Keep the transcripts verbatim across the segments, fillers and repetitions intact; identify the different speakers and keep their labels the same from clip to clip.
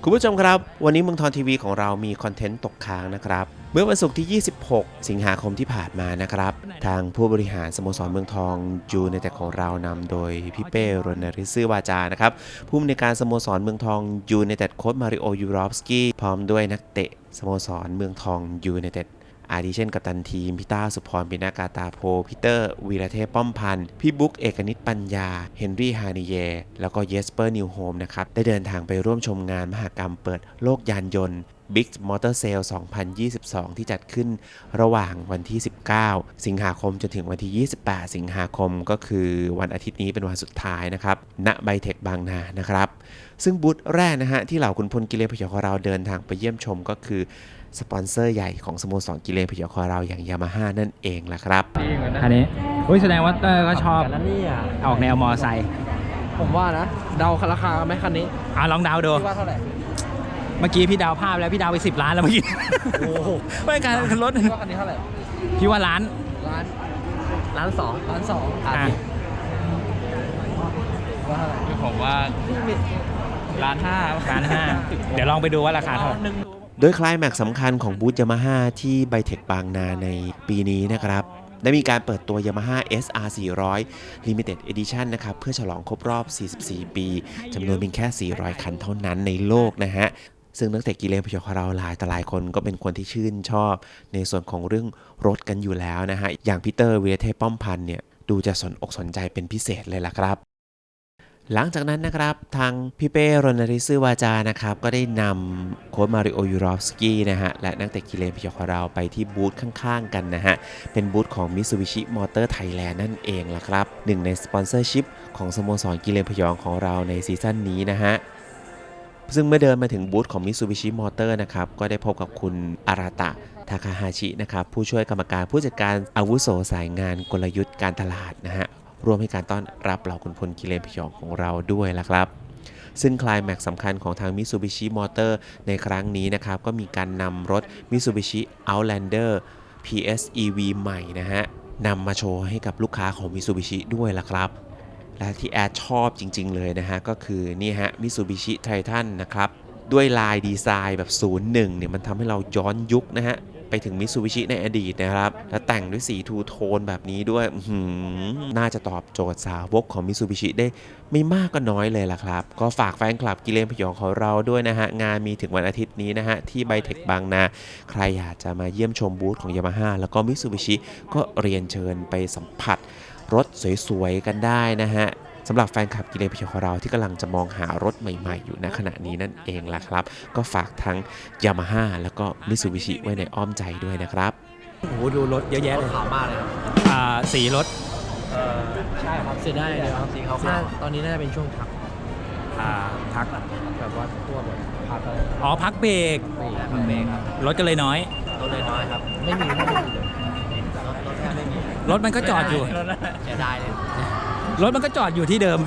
Speaker 1: คุณผู้ชมครับวันนี้เมืองทองทีวีของเรามีคอนเทนต์ตกค้างนะครับเมื่อวันศุกร์ที่ยี่สิบหกสิงหาคมที่ผ่านมานะครับทางผู้บริหารสโมสรเมืองทองยูไนเต็ดของเรานำโดยพี่เป้รณฤทธิ์ซื่อวาจานะครับผู้อำนวยการสโมสรเมืองทองยูไนเต็ดโค้ชมาริโอยูรอฟสกี้พร้อมด้วยนักเตะสโมสรเมืองทองยูไนเต็ดอาทิเช่นกัปตันทีมพี่ต้าสุพรปินากาตาโพพีเตอร์วีระเทพป้อมพันธ์พี่บุ๊กเอกนิตปัญญาเฮนรี่ฮานิเยแล้วก็เยสเปอร์นิวโฮมนะครับได้เดินทางไปร่วมชมงานมหกรรมเปิดโลกยานยนต์ Big Motor Sale สองพันยี่สิบสอง ที่จัดขึ้นระหว่างวันที่สิบเก้าสิงหาคมจนถึงวันที่ยี่สิบแปดสิงหาคมก็คือวันอาทิตย์นี้เป็นวันสุดท้ายนะครับณไบเทคบางนานะครับซึ่งบูธแรกนะฮะที่เหล่าขุนพลกิเลนพยองของเราเดินทางไปเยี่ยมชมก็คือสปอนเซอร์ใหญ่ของสโมสรกิเลนพยองของเราอย่างยามาฮ่านั่นเองแหละครับ
Speaker 2: อันนี้อุ้ยแสดงว่าเตอร์ก็ชอบ
Speaker 3: กันนี่อ่ะ
Speaker 2: ออกแนวมอไซค์
Speaker 3: ผมว่านะเดาราคาไหมคันนี้
Speaker 2: อ่ะลองเดาดู
Speaker 3: ว่าเท่าไหร่
Speaker 2: เมื่อกี้พี่เดาภาพแล้วพี่เดาไปสิบล้านแล้วเมื่อกี้
Speaker 3: โอ้โห
Speaker 2: ไม่การรถ
Speaker 3: ว่าคันนี้เท่าไหร่
Speaker 2: พี่ว่าล้าน
Speaker 3: ล้านล้านสองล้านสองอ่ะว่าเท่าไหร่
Speaker 4: ผมว่าล้านห้า
Speaker 2: ล้านห้าเดี๋ยวลองไปดูว่าราคาเท่าไหร่
Speaker 1: โดยไคลแม็กซ์สำคัญของบูธยามาฮ่าที่ไบเทคบางนาในปีนี้นะครับได้มีการเปิดตัว Yamaha เอส อาร์ สี่ร้อย Limited Edition นะครับเพื่อฉลองครบรอบสี่สิบสี่ปีจำนวนเพียงแค่สี่ร้อยคันเท่านั้นในโลกนะฮะซึ่งนักเตะกิเลนพยองของเราหลายแต่หลายคนก็เป็นคนที่ชื่นชอบในส่วนของเรื่องรถกันอยู่แล้วนะฮะอย่างพีเตอร์วีระเทพป้อมพันธ์เนี่ยดูจะสนอกสนใจเป็นพิเศษเลยล่ะครับหลังจากนั้นนะครับทางพี่เป้รณฤทธิ์ซื่อวาจานะครับก็ได้นำโค้ชมาริโอยูรอฟสกี้นะฮะและนักเตะกิเลนพยองของเราไปที่บูธข้างๆกันนะฮะเป็นบูธของ Mitsubishi Motor Thailand นั่นเองล่ะครับหนึ่งในสปอนเซอร์ชิพของสโมสรกิเลนพยองของเราในซีซั่นนี้นะฮะซึ่งเมื่อเดินมาถึงบูธของ Mitsubishi Motor นะครับก็ได้พบกับคุณอาราตะทาคาฮาชินะครับผู้ช่วยกรรมการผู้จัดการอาวุโสสายงานกลยุทธ์การตลาดนะฮะร่วมให้การต้อนรับเหล่าขุนพลกิเลนพยองของเราด้วยล่ะครับซึ่งไคลแม็กซ์สำคัญของทาง Mitsubishi Motor ในครั้งนี้นะครับก็มีการนำรถ Mitsubishi Outlander พี เอส อี วี ใหม่นะฮะนำมาโชว์ให้กับลูกค้าของ Mitsubishi ด้วยล่ะครับและที่แอดชอบจริงๆเลยนะฮะก็คือนี่ฮะ Mitsubishi Triton นะครับด้วยลายดีไซน์แบบ ศูนย์หนึ่ง เนี่ยมันทำให้เราย้อนยุคนะฮะไปถึง Mitsubishi ในอดีตนะครับและแต่งด้วยสีทูโทนแบบนี้ด้วยน่าจะตอบโจทย์สาวกของ Mitsubishi ได้ไม่มากก็น้อยเลยล่ะครับก็ฝากแฟนคลับกิเลนพยองของเราด้วยนะฮะงานมีถึงวันอาทิตย์นี้นะฮะที่ไบเทคบางนาใครอยากจะมาเยี่ยมชมบูธของ Yamaha แล้วก็ Mitsubishi ก็เรียนเชิญไปสัมผัสรถสวยๆกันได้นะฮะสำหรับแฟนคลับกิเลนพยองของเราที่กำลังจะมองหารถใหม่ๆอยู่ณขณะนี้นั่นเองล่ะครับก็ฝากทั้ง Yamaha แล้วก็ Mitsubishi ไว้ในอ้อมใจด้วยนะครับ
Speaker 2: โอ้โหดูรถเยอะแยะเลย
Speaker 3: ขาวมากเลย
Speaker 2: อ่าสีรถ
Speaker 3: เออใช่ครับเสียดายเลยครับสีขาวตอนนี้น่าจะเป็นช่วงพัก
Speaker 2: อ่าพัก
Speaker 3: แบบว่าตัวแบบพักอะไร
Speaker 2: อ๋อพักเบรก
Speaker 3: พักเบรกครับ
Speaker 2: รถก็เลยน้อย
Speaker 3: รถเลยน้อยครับไม่มีไม่มีเลยรถรถแทบไม่มี
Speaker 2: รถมันก็จอดอยู่
Speaker 3: เสียดายเลย
Speaker 2: รถมันก็จอดอยู่ที่เดิม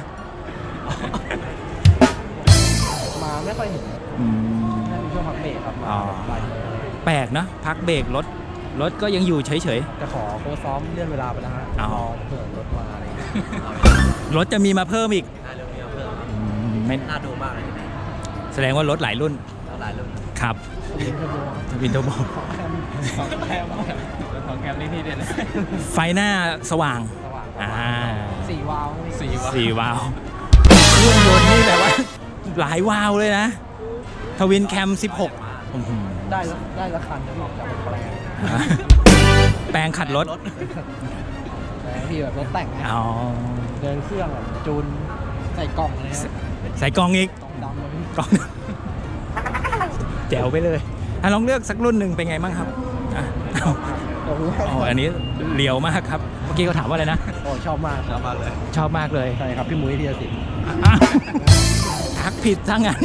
Speaker 3: มาไม่ค่อยเห็นน่าจะช่วงพักเบรกครับมา
Speaker 2: แปลกนะพักเบรกรถรถก็ยังอยู่เฉย
Speaker 3: ๆจะขอโค้ชซ้อมเลื่อนเวลาไปแล้วฮะรอเผื่อรถมาอะไร
Speaker 2: รถจะมีมาเพิ่มอีก
Speaker 3: น่าจะมีมาเพิ่ม
Speaker 2: ไม่
Speaker 3: น่าดูมากเลย
Speaker 2: แสดงว่ารถหลายรุ่น
Speaker 3: หลายรุ่น
Speaker 2: ครับวินเทอร์โบ
Speaker 3: ของแคมของแคมนี่ที่เด่น
Speaker 2: ไฟหน้าสว่าง
Speaker 3: อ่าสี่วาล์ว
Speaker 2: สี่วาล์วสี่วาล์วเครื่องยนต์นี่แบบว่าหลายวาล์วเลยนะทวินแคมสิบหก
Speaker 3: ได้แล้วได้แล้วคันที่จะแปลง
Speaker 2: แปลงขัดรถ
Speaker 3: แปลงที่แบบรถแต่ง
Speaker 2: อ๋อ
Speaker 3: เดินเครื่องแบบจูนใส่กล่องอะไร
Speaker 2: ใส่กล่องอีก
Speaker 3: กล่องดำ
Speaker 2: กล่องแจ๋วไปเลยอ่ะลองเลือกสักรุ่นหนึ่งเป็นไงบ้างครับอ่ะอ๋ออันนี้เลียวมากครับเมื่อกี้เขาถามว่าอะไรนะ
Speaker 3: โอ้ชอบมากชอบมากเลย
Speaker 2: ชอบมากเลย
Speaker 3: ใช่ครับพี่มุ้ยธีรศิลป์
Speaker 2: ทักผิดทั้งนั้น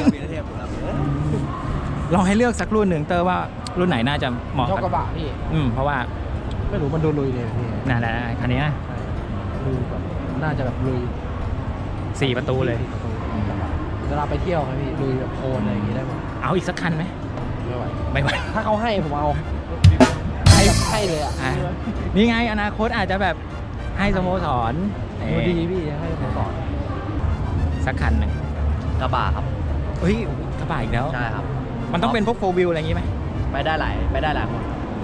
Speaker 2: ลองให้เลือกสักรุ่นหนึ่งเตอร์ว่ารุ่นไหนน่าจะเหมาะ
Speaker 3: ชอบกระบะพี่
Speaker 2: อืมเพราะว่า
Speaker 3: ไม่รู้มันดูลุยเลยพี่
Speaker 2: น่าๆคันนี้นะ
Speaker 3: ลุยแบบน่าจะแบบลุย
Speaker 2: สี่ประตูเลย
Speaker 3: เวลาไปเที่ยวครับพี่ลุยแบบโคลนอะไรอย่างงี้ได้หมด
Speaker 2: เอาอีกสักคันไหม
Speaker 3: ไม่ไหว
Speaker 2: ไม่ไหว
Speaker 3: ถ้าเขาให้ผมเอาให้ให้เลยอ่ะ
Speaker 2: นี่ไงอนาคตอาจจะแบบให้สโมสร
Speaker 3: ดูดีพี่ให้สโมสร
Speaker 2: สักคันหนึ่ง
Speaker 3: กระบะครับ
Speaker 2: ฮ้ยกระบะอีกแล้ว
Speaker 3: ใช่ครับ
Speaker 2: มันต้องเป็นพวกโฟวิลอะไรอย่างงี้ไหม
Speaker 3: ไปได้หลายไปได้หลายคน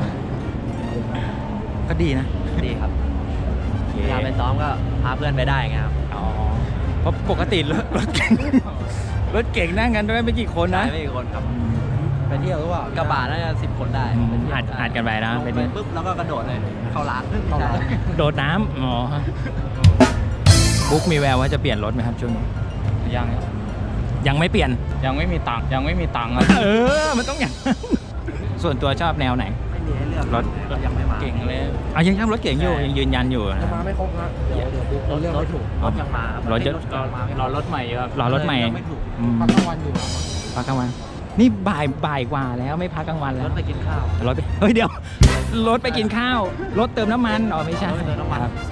Speaker 2: ก็ดีนะ
Speaker 3: ดีครับ
Speaker 2: โอเค
Speaker 3: เวลาไปซ้อมก็พาเพื่อนไปได้ไงครับ
Speaker 2: อ๋อเพราะปกติรถรถเก่งรถเก่งนั่งกันด้วยไม่กี่คนนะ
Speaker 3: ใช่ไม่กี่คนครับ
Speaker 5: ไปเที่ยวหรือเปล่าก
Speaker 3: ระบะน่าจะสิบคนได้
Speaker 2: อืม
Speaker 3: ไปเที่ยว
Speaker 2: อัดอัดกันไปนะ
Speaker 3: ลง
Speaker 2: เป็น
Speaker 3: ไปปุ๊บแล้วก็กระโดดเลยเข้าร้านเข้าร้าน
Speaker 2: โดดน้ำอ๋อบุ๊กมีแววว่าจะเปลี่ยนรถไหมครับช่วงนี้
Speaker 4: ยัง
Speaker 2: ยังไม่เปลี่ยน
Speaker 4: ยังไม่มีตังค์ยังไม่มีตังค์ครับ
Speaker 2: เออ มันต้องอย่างนั้นส่วนตัวชอบแนวไหน
Speaker 3: ไม่มีให้เลือก
Speaker 2: รถ
Speaker 3: ก็ยังไม่มา
Speaker 4: เก่งเลย
Speaker 2: อ่ะยังชอบรถเก๋งอยู่
Speaker 3: ใช่
Speaker 2: ยังยืนยันอยู่นะ
Speaker 5: ถ้ามาไม่ครบนะเดี๋ยวเดี๋ยวบุ๊กเราเลือกไม่ถูก
Speaker 3: รถยังมาคบ
Speaker 2: รถเยอะ
Speaker 3: รถมาไม่
Speaker 4: รอรถใหม่ครับ
Speaker 2: รอรถใหม่
Speaker 3: เลือกไม่ถูก
Speaker 2: อืม
Speaker 5: พักกลางวันอยู่นะ
Speaker 2: พักกลางวัน นี่บ่ายบ่ายกว่าแล้วไม่พักกลางวันแล้
Speaker 3: ร
Speaker 2: ว
Speaker 3: ถไปกินข้าว
Speaker 2: รถไปเฮ้ยเดี๋ยว รถไปกินข้าว รถเติมน้ำมันอ๋อไม่ใช่
Speaker 3: รถไปเติมน้ำมัน
Speaker 2: ครับ